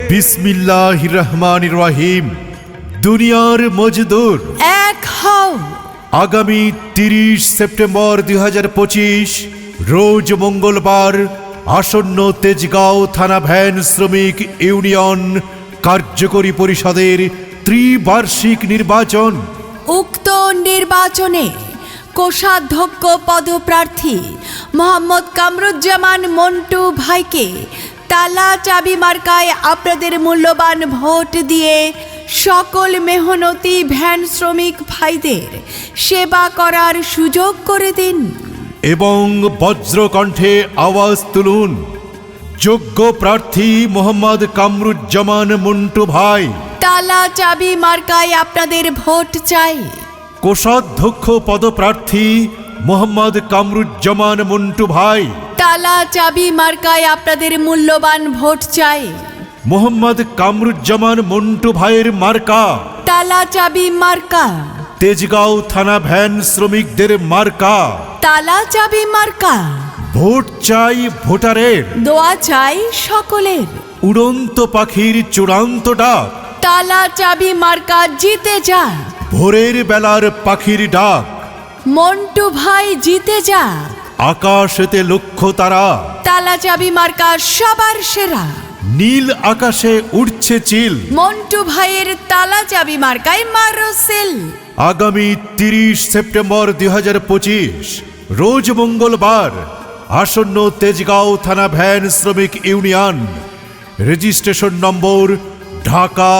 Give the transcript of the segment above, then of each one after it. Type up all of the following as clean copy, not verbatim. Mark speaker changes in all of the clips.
Speaker 1: বিসমিল্লাহির রহমানির রহিম। দুনিয়ার মজদুর
Speaker 2: এক হও।
Speaker 1: আগামী 30 সেপ্টেম্বর 2025 রোজ মঙ্গলবার আসন্ন তেজগাঁও থানা ভ্যান শ্রমিক ইউনিয়ন কার্যকরী পরিষদের ত্রিবার্ষিক নির্বাচন।
Speaker 2: উক্ত নির্বাচনে কোষাধ্যক্ষ পদপ্রার্থী মোহাম্মদ কামরুজ্জামান মন্টু ভাইকে তালা চাবি মার্কায় আপনাদের মূল্যবান ভোট দিয়ে সকল মেহনতি ভ্যান শ্রমিক ভাইদের সেবা করার সুযোগ করে দিন
Speaker 1: এবং বজ্রকণ্ঠে আওয়াজ তুলুন, যোগ্য প্রার্থী মোহাম্মদ কামরুজ্জামান মন্টু ভাই।
Speaker 2: তালা চাবি মার্কায় আপনাদের ভোট চাই।
Speaker 1: কোষাধ্যক্ষ পদপ্রার্থী মোহাম্মদ কামরুজ্জামান মন্টু ভাই।
Speaker 2: তালা চাবি মার্কায় আপনাদের মূল্যবান ভোট চাই।
Speaker 1: মোহাম্মদ কামরুজ্জামান মন্টু ভাইয়ের মার্কা
Speaker 2: তালা চাবি মার্কা।
Speaker 1: তেজগাঁও থানা ভ্যান শ্রমিকদের মার্কা
Speaker 2: তালা চাবি মার্কা।
Speaker 1: ভোট চাই ভোটারের,
Speaker 2: দোয়া চাই সকলের।
Speaker 1: উড়ন্ত পাখির চূড়ান্ত ডাক,
Speaker 2: তালা চাবি মার্কা জিতে যা।
Speaker 1: ভোরের বেলার পাখির ডাক,
Speaker 2: মন্টু ভাই জিতে যা।
Speaker 1: আকাশেতে লক্ষ্য তারা,
Speaker 2: তালা চাবি মার্কা সবার সেরা।
Speaker 1: নীল আকাশে উড়ছে চিল,
Speaker 2: মন্টু ভাইয়ের তালা চাবি মার্কায় মারো সেল।
Speaker 1: আগামী 30 সেপ্টেম্বর 2025 রোজ মঙ্গলবার আসন্ন তেজগাঁও থানা ভ্যান শ্রমিক ইউনিয়ন, রেজিস্ট্রেশন নম্বর ঢাকা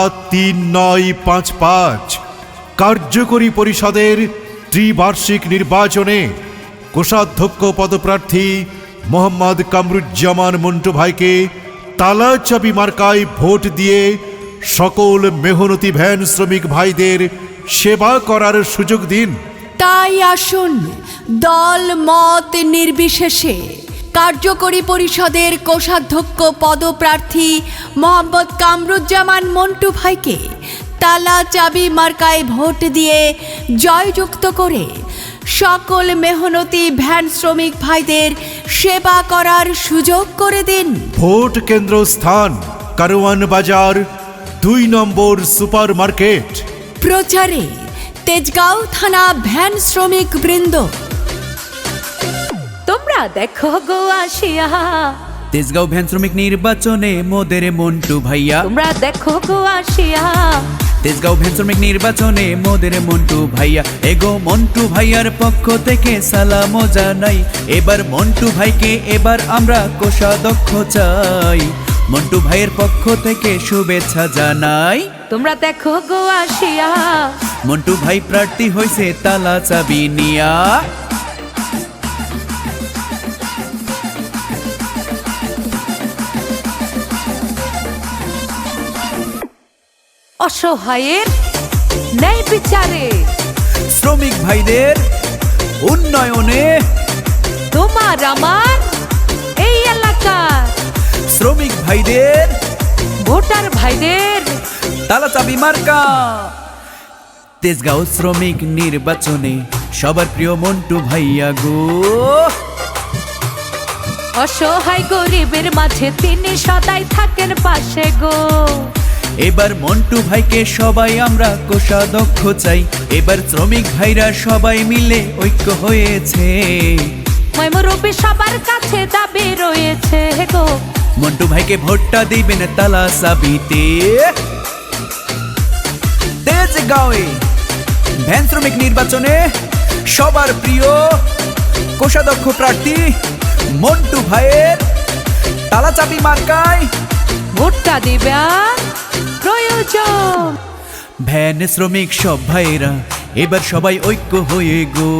Speaker 1: 3955, কার্যকরী পরিষদের ত্রিবার্ষিক নির্বাচনে কোষাধ্যক্ষ পদপ্রার্থী মোহাম্মদ কামরুজ্জামান মন্টু ভাইকে তালা চাবি মার্কায় ভোট দিয়ে সকল মেহনতি ভ্যান শ্রমিক ভাইদের সেবা করার সুযোগ দিন।
Speaker 2: তাই আসুন দল মত নির্বিশেষে কার্যকরী পরিষদের কোষাধ্যক্ষ পদপ্রার্থী মোহাম্মদ কামরুজ্জামান মন্টু ভাইকে তালা চাবি মার্কায় ভোট দিয়ে জয়যুক্ত করে সকল মেহনতি ভ্যান শ্রমিক ভাইদের সেবা করার সুযোগ করে দিন।
Speaker 1: ভোট কেন্দ্র স্থান কারওয়ান বাজার 2 নম্বর সুপার মার্কেট।
Speaker 2: প্রচারে তেজগাঁও থানা ভ্যান শ্রমিক বৃন্দ। তোমরা দেখো গো আসিয়া
Speaker 3: তেজগাঁও ভ্যান শ্রমিক নির্বাচনে মোদের মন্টু ভাইয়া।
Speaker 2: তোমরা দেখো গো আসিয়া
Speaker 3: তেজগাঁও ভ্যান শ্রমিক নির্বাচনে মোদের মন্টু ভাইয়া। এগো মন্টু ভাইয়ার পক্ষ থেকে সালাম জানাই। এবার মন্টু ভাইকে এবার আমরা কোষাধ্যক্ষ চাই। মন্টু ভাইয়ের পক্ষ থেকে শুভেচ্ছা জানাই।
Speaker 2: তোমরা দেখো গো আসিয়া
Speaker 3: মন্টু ভাই প্রার্থী হয়েছে তালা চাবি নিয়া।
Speaker 2: অসহায়ের ন্যায় বিচারে,
Speaker 3: শ্রমিক ভাইদের উন্নয়নে,
Speaker 2: তোমার আমার এই এলাকার
Speaker 3: শ্রমিক ভাইদের
Speaker 2: ভোটার ভাইদের
Speaker 3: তালা চাবি মার্কা। তেজগাঁও শ্রমিক নির্বাচনে সবার প্রিয় মন্টু ভাইয়া গো।
Speaker 2: অসহায় গরিবের মাঝে তিনি সদাই থাকেন পাশে গো।
Speaker 3: এবার মন্টু ভাইকে সবাই আমরা কোষাধ্যক্ষ চাই। এবার শ্রমিক ভাইরা সবাই মিলে ঐক্য হয়েছে।
Speaker 2: ময়মরূপী সবার কাছে দাবি রয়েছে গো।
Speaker 3: মন্টু ভাইকে ভোটটা দিবেন তালা চাবিতে। তেজগাঁওয়ে ভ্যান শ্রমিক নির্বাচনে সবার প্রিয় কোষাধ্যক্ষ প্রার্থী মন্টু ভাইয়ের তালা চাবি মার্কায়
Speaker 2: ভোটটা দিবেন প্রয়োজন।
Speaker 3: ভ্যান শ্রমিক সব ভাইরা এবার সবাই ঐক্য হয়ে গো।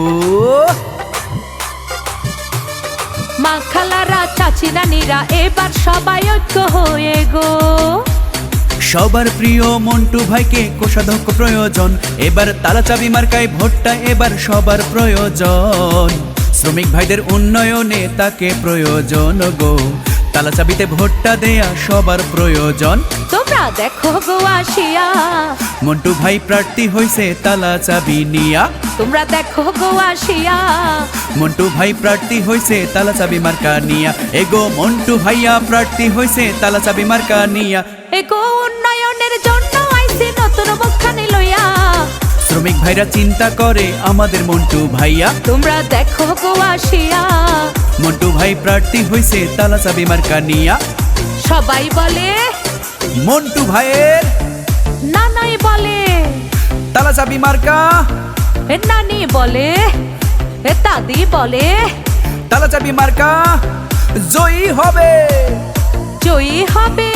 Speaker 2: মা খালারা চাচি নানিরা এবার সবাই ঐক্য হয়ে গো।
Speaker 3: সবার প্রিয় মন্টু ভাইকে কোষাধ্যক্ষ প্রয়োজন। এবার তালা চাবি মার্কায় ভোটটা এবার সবার প্রয়োজন। শ্রমিক ভাইদের উন্নয়নে তাকে প্রয়োজন গো। তালা চাবিতে ভোটটা দেয়া সবার প্রয়োজন।
Speaker 2: তোমরা দেখো গো আসিয়া
Speaker 3: মন্টু ভাই প্রার্থী হইছে তালা চাবি নিয়া।
Speaker 2: তোমরা দেখো গো আসিয়া
Speaker 3: মন্টু ভাই প্রার্থী হইছে তালা চাবি মার্কা নিয়া। এগো মন্টু ভাইয়া প্রার্থী হইছে তালা চাবি মার্কা নিয়া।
Speaker 2: এগো উন্নয়নের জন্য আইছি নতুন মুখখানি লইয়া।
Speaker 3: শ্রমিক ভাইরা চিন্তা করে আমাদের মন্টু ভাইয়া,
Speaker 2: তোমরা দেখো গো আসিয়া।
Speaker 3: মন্টু ভাই প্রার্থী হইছে তালা চাবি মার্কা নিয়া।
Speaker 2: সবাই বলে,
Speaker 3: মন্টু ভাইয়ের
Speaker 2: নানাই বলে,
Speaker 3: তালা চাবি মার্কা,
Speaker 2: এ নানি বলে, এ দাদি বলে,
Speaker 3: তালা চাবি মার্কা জয়ী হবে।
Speaker 2: জয়ী হবে।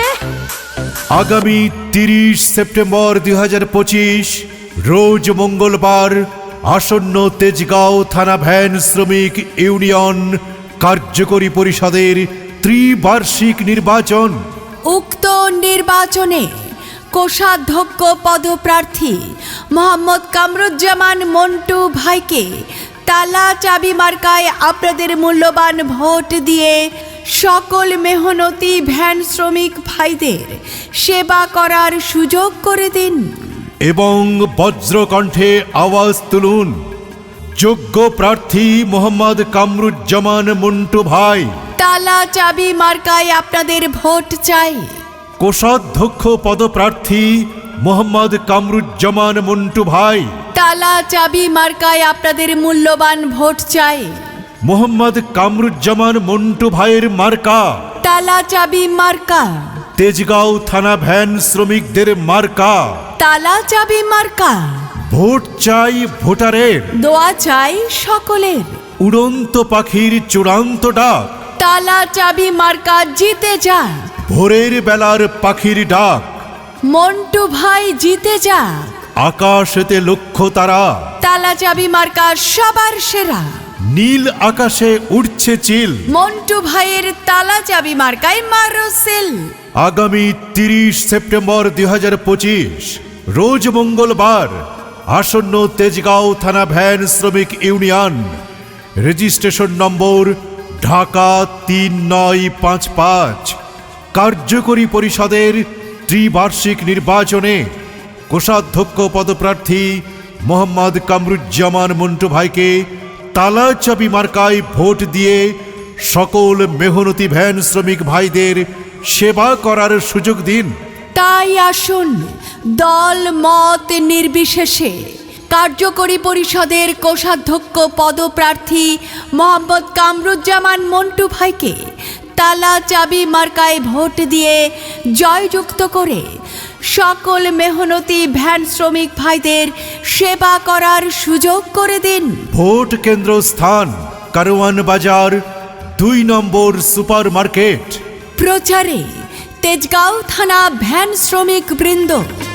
Speaker 1: আগামী 30 সেপ্টেম্বর 2025 রোজ মঙ্গলবার আসন্ন তেজগাঁও থানা ভ্যান শ্রমিক ইউনিয়ন কার্যকরী পরিষদের ত্রিবার্ষিক নির্বাচন।
Speaker 4: উক্ত নির্বাচনে কোষাধ্যক্ষ পদপ্রার্থী মোহাম্মদ কামরুজ্জামান মন্টু ভাইকে তালা চাবি মার্কায় আপনাদের মূল্যবান ভোট দিয়ে সকল মেহনতি ভ্যান শ্রমিক ভাইদের সেবা করার সুযোগ করে দিন
Speaker 1: এবং বজ্রকণ্ঠে আওয়াজ তুলুন, যোগ্য প্রার্থী মোহাম্মদ কামরুজ্জামান মন্টু ভাই।
Speaker 4: তালা চাবি মার্কায় আপনাদের ভোট চাই।
Speaker 1: কোষাধ্যক্ষ পদপ্রার্থী মোহাম্মদ কামরুজ্জামান মন্টু ভাই।
Speaker 4: তালা চাবি মার্কায় আপনাদের মূল্যবান ভোট চাই।
Speaker 1: মোহাম্মদ কামরুজ্জামান মন্টু ভাইয়ের মার্কা
Speaker 4: তালা চাবি মার্কা।
Speaker 1: তেজগাঁও থানা ভ্যান শ্রমিকদের মার্কা।
Speaker 4: তালা চাবি মার্কা।
Speaker 1: ভোট চাই ভোটারের,
Speaker 4: দোয়া চাই সকলের।
Speaker 1: উড়ন্ত পাখির চূড়ান্ত ডাক,
Speaker 4: তালা চাবি মার্কা জিতে যায়।
Speaker 1: ভোরের বেলার পাখির ডাক,
Speaker 4: মন্টু ভাই জিতে যায়।
Speaker 1: আকাশেতে লক্ষ্য তারা,
Speaker 4: তালা চাবি মার্কা সবার সেরা।
Speaker 1: নীল আকাশে উঠছে চিল,
Speaker 4: মন্টু ভাইয়ের তালা চাবি মার্কায় মারো সেল।
Speaker 1: আগামী 30 সেপ্টেম্বর 2025 রোজ মঙ্গলবার আসন্ন তেজগাঁও থানা ভ্যান শ্রমিক ইউনিয়ন রেজিস্ট্রেশন নম্বর ঢাকা 3955 কার্যকরী পরিষদের ত্রিবার্ষিক নির্বাচনে কোষাধ্যক্ষ পদপ্রার্থী মোহাম্মদ কামরুজ্জামান মন্টু ভাইকে তালা চাবি মার্কায় ভোট দিয়ে সকল মেহনতি ভ্যান শ্রমিক ভাইদের সেবা করার সুযোগ দিন।
Speaker 4: তাই আসুন দল মত নির্বিশেষে কার্যকরী পরিষদের কোষাধ্যক্ষ পদপ্রার্থী মোহাম্মদ কামরুজ্জামান মন্টু ভাইকে তালা চাবি মার্কায় ভোট দিয়ে জয়যুক্ত করে সকল মেহনতি ভ্যান শ্রমিক ভাইদের সেবা করার সুযোগ করে দিন।
Speaker 1: ভোট কেন্দ্র স্থান কারওয়ান বাজার 2 নম্বর সুপার মার্কেট।
Speaker 4: প্রচারে তেজগাঁও থানা ভ্যান শ্রমিক বৃন্দ।